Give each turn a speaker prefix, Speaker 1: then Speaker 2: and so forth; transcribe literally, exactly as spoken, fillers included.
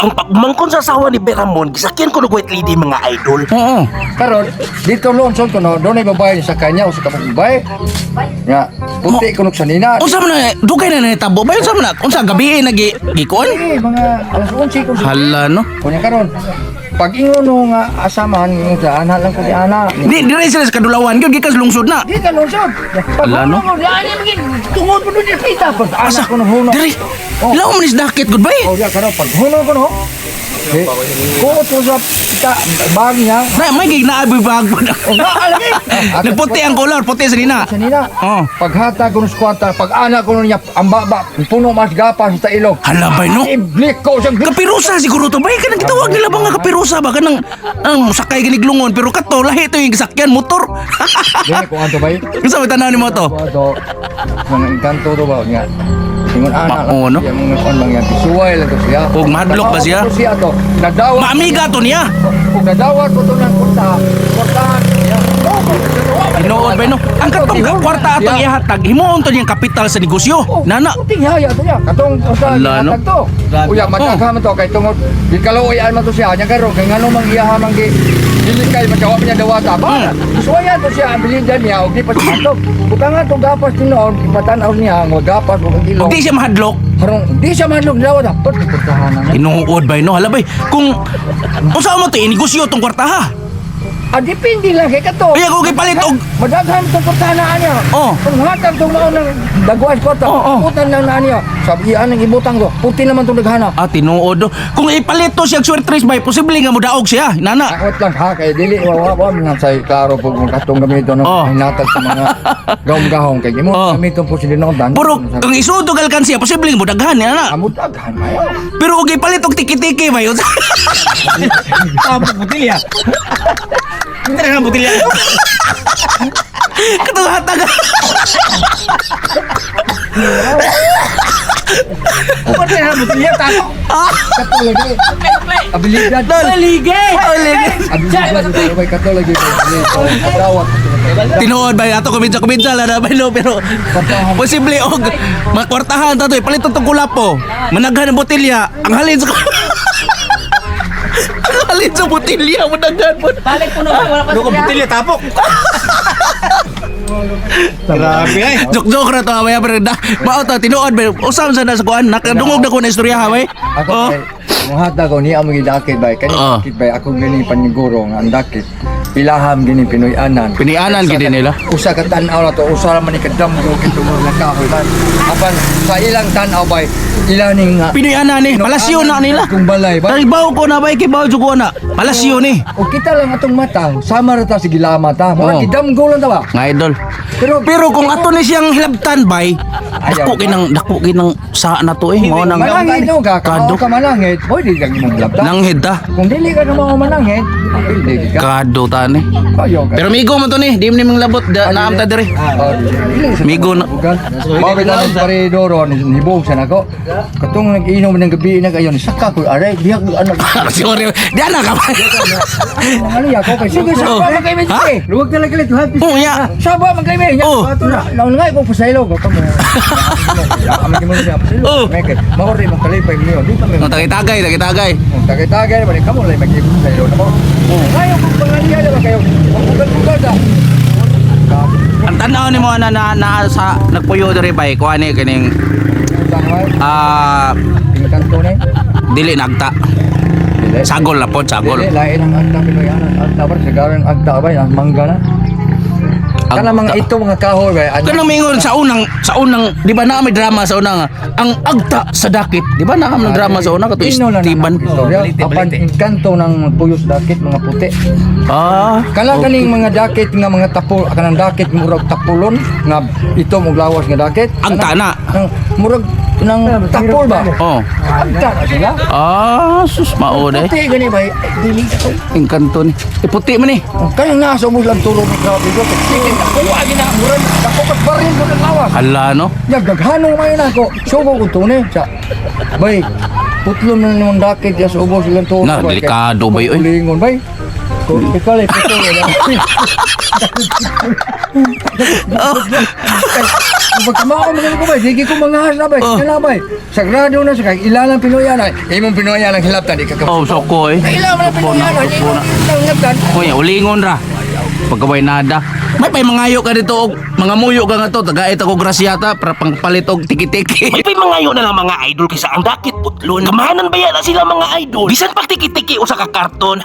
Speaker 1: ang pagmangkon sa asawa ni Beramon, gisakyan ko na white lady mga idol.
Speaker 2: Oo.
Speaker 3: Karon dito lonsod ko no, doon ay babae sa kanya o sa kapag babae. Nga, puti ko nuk sa nina.
Speaker 2: Unsa man na dugay na nitabo ba unsa man na unsa gabi nagi gikon?
Speaker 3: Eh, mga alas onse ko.
Speaker 2: Hala no.
Speaker 3: Kunya karon. Pag ingon no nga asamahan mo sa ana lang ko di ana.
Speaker 2: Di dire sila sa kadulawan gyud gikas lungsod na.
Speaker 3: Di ka lungsod.
Speaker 2: Hala, no?
Speaker 3: Pag ani magin tungod mo doon kita pag ana ko no huno.
Speaker 2: Dire.
Speaker 3: Oh.
Speaker 2: Ilaw man is dakit gud bay.
Speaker 3: Oh, ya karon pag huno ko no. Eh, kuot ko sa kita bag niya.
Speaker 2: Na may gig na abi bag po na.
Speaker 3: Oh, nga lagi.
Speaker 2: Nagputi ang color, puti sa nina.
Speaker 3: Sa nila.
Speaker 2: Oh.
Speaker 3: Paghata ko ng squatter, pag ana ko niya ang baba, puno mas gapas sa ilog.
Speaker 2: Hala bay no.
Speaker 3: Iblik ko sa
Speaker 2: Kapirusa siguro to bay kanang gitawag nila ba nga kapirusa ba kanang ang sakay ginig lungon pero kato lahi to yung sakyan motor.
Speaker 3: Dili ko anto bay.
Speaker 2: Unsa may tanaw nimo to?
Speaker 3: Ato, mga engkanto to ba nga. Ingon ana
Speaker 2: Mao, no?
Speaker 3: Yung mga kon lang yan, suway lang to siya.
Speaker 2: Ug mahadlok ba siya?
Speaker 3: Nadawat ko siya to. Nadawa.
Speaker 2: Maamiga to niya.
Speaker 3: Ug nadawa ko to ng kurta. Kurtahan niya.
Speaker 2: Tinuod bay no. Ang katong kwarta atong ihatag himuon to niyang kapital sa negosyo. Nana.
Speaker 3: Puting haya to niya. Katong usa
Speaker 2: Hala, no?
Speaker 3: hatag to. Uya matagha man to kay tungod di kaluoy man to siya nya karon kay ngano mang iyaha man gi dili kay magawa niya dawata ba. Suwayan to siya ang bilin niya ug di pa siya to. Butangan to gapas tinuod ipatan-aw niya ang gapas ug ilong.
Speaker 2: Di siya mahadlok.
Speaker 3: Harong di siya manlog dawat dapat kurtahan na.
Speaker 2: Tinuod bay no. Hala bay kung unsa mo to negosyo tong kwarta ha.
Speaker 3: Ah, depende lang kay kato.
Speaker 2: Ay ako gipalit og
Speaker 3: Madaghan itong kurtahan niya.
Speaker 2: Oh.
Speaker 3: Kung hatag itong maon ng dagwas ko ito,
Speaker 2: Oh, oh.
Speaker 3: putan lang na niya. Sabi iyan ang ibutang ko. Puti naman itong naghana.
Speaker 2: ah tinuod do. Kung ipalit to siya swertres bay posible nga modaog siya. Nana.
Speaker 3: Akot lang ha, kay dili, wawa man sa klaro pag kung katong gamito ng
Speaker 2: Oh.
Speaker 3: hinatag sa mga gawang-gahong. Kaya mo,
Speaker 2: Oh.
Speaker 3: gamitong po sila ng dan.
Speaker 2: Puro kung isudog alkansya posible nga modaghan nana.
Speaker 3: Amo daghan mayo.
Speaker 2: Pero og ipalit og tiki-tiki bay.
Speaker 1: Tapos butilya. Hindi na butilya.
Speaker 2: Katong hatag.
Speaker 1: Kung na butilya tapo.
Speaker 3: Katong lagi. Abilidad.
Speaker 2: Daligay.
Speaker 3: Abilidad. Abilidad. Katong lagi. Kadawat.
Speaker 2: Tinuod bay ato kumidsa-kumidsa la na bay no pero posible og makwartahan ta to ipalit tong kulapo. Managhan ang botelya. Ang halin sa Ang halin sa botelya managhan mo.
Speaker 4: Balik po na wala pa
Speaker 1: Ano ka butilya tapo? Grabe ay.
Speaker 2: Jok-jok na to bay pero da. Mao to tinuod bay. Usam sa na sa kuan nakadungog na ko na istorya ha bay.
Speaker 3: Ako
Speaker 2: Oh.
Speaker 3: kay muhata ko ni amo gidakit bay kani
Speaker 2: Oo.
Speaker 3: dakit bay ako gani paniguro nga ang dakit pilaham gini Pinoy-anan.
Speaker 2: Pinianan gid nila.
Speaker 3: Usa ka tan-aw na to usa ra man ni kadamgo kito mo nakahoy man. Apan sa ilang tan-aw bay ilang ning nga
Speaker 2: Pinoy-anan ni palasyo na nila.
Speaker 3: kung balay ba.
Speaker 2: Taribaw ko na bay kibaw jud ko na. Palasyo ni.
Speaker 3: O kita lang atong mata sama ra ta sige lama ta. Mo
Speaker 2: Oo.
Speaker 3: gidamgo lang ta ba.
Speaker 2: Nga idol.
Speaker 3: Pero
Speaker 2: Pero kung ato ni siyang hilabtan bay, dako
Speaker 3: Ayaw.
Speaker 2: kinang dako kinang sa na to eh mao nang
Speaker 3: manangit no ka
Speaker 2: Kado.
Speaker 3: kado ka manangit boy di kang imong labta.
Speaker 2: nanghid ta.
Speaker 3: Kung dili ka na mao manangit, dili ka.
Speaker 2: Kado ta ni.
Speaker 3: Kayo ka.
Speaker 2: Pero migo man to ni, di man nimong labot da, naam ta dire.
Speaker 3: Ah, dili sa
Speaker 2: Migo na.
Speaker 3: bugan. Mao kita ng paridoro ni nibog sa nako. Katong nag-inom ng gabi na kayo ni saka ko aray bihag ano.
Speaker 2: Sorry, di ana ka ba?
Speaker 3: Ano ya ko kay sige sa
Speaker 2: Oh.
Speaker 3: pa magkay mi.
Speaker 2: Ha?
Speaker 3: Luwag talaga lit lahat.
Speaker 2: Oh, ya.
Speaker 3: Sa ba magkay mi.
Speaker 2: Oh.
Speaker 3: Ato na. Laon nga ko pasaylo ko mo. Kami kimo niya.
Speaker 2: Oh.
Speaker 3: Meket. Mahori man kalipay niyo. Di pa mi.
Speaker 2: No tagay-tagay, tagay-tagay.
Speaker 3: Tagay-tagay ba ni kamo lay mag-ibig saylo na mo. Ngayon kung pangaliya na ba kayo. Bugal-bugal da.
Speaker 2: Ang tanaw ni mo na na, na sa nagpuyo dire bay, kuha ni kining ah
Speaker 3: Kanto ni.
Speaker 2: dili nagta.
Speaker 3: Dili.
Speaker 2: Sagol na pod, sagol.
Speaker 3: Dili, lain ang agta Pinoy anan. Agta ba? Sigaran agta ba? Ang mangga na. Kana mga ito mga kahoy ba? Ano?
Speaker 2: Kanang mingon sa unang sa unang di ba na may drama sa unang ang agta sa dakit. Di ba na may drama sa unang kato
Speaker 3: Ino lang
Speaker 2: Istiban.
Speaker 3: ang istorya. Apan kanto ng puyos dakit mga puti.
Speaker 2: Ah.
Speaker 3: Kala kaning mga dakit nga mga tapol kanang dakit murag tapulon nga ito mong lawas nga dakit.
Speaker 2: Ang tana.
Speaker 3: Nang murag nang tapol ba?
Speaker 2: Oh.
Speaker 3: Agta na sila.
Speaker 2: Ah, sus mao de.
Speaker 3: Puti gani ba? Dili ko.
Speaker 2: Ing kanto ni. Iputi man ni.
Speaker 3: Kaya nga sa lang tulong ng grabe ko. Chicken ako agi na murag ako kat baril ko ng lawas.
Speaker 2: Hala no.
Speaker 3: Nagdaghanong mayon ako. Sugo ko to ni. Sa bay. Putlom na naman dakit ya sa ubos ilang to.
Speaker 2: Na, delikado ba yun?
Speaker 3: Lingon bay. Ikaw lang, ito Pagkamao mo ko ba, sige ko mga hasabay,
Speaker 2: Oh.
Speaker 3: kalabay. Sagrado na sa kag ilalang Pinoyan ay, imong Pinoyan ang hilaptan di ka ka.
Speaker 2: Oh, soko eh.
Speaker 3: Ilang na Pinoyan ay, imong hilaptan.
Speaker 2: Uy, ulingon ra. Pagkaway nada. May pay mangayo ka dito og mga muyo ka nga to, tagait ako grasyata para pangpalit og tiki-tiki.
Speaker 1: May pay mangayo na lang mga idol kaysa ang dakit putlon. Kamahanan ba yan na sila mga idol? Bisan pag tiki-tiki o sa kakarton.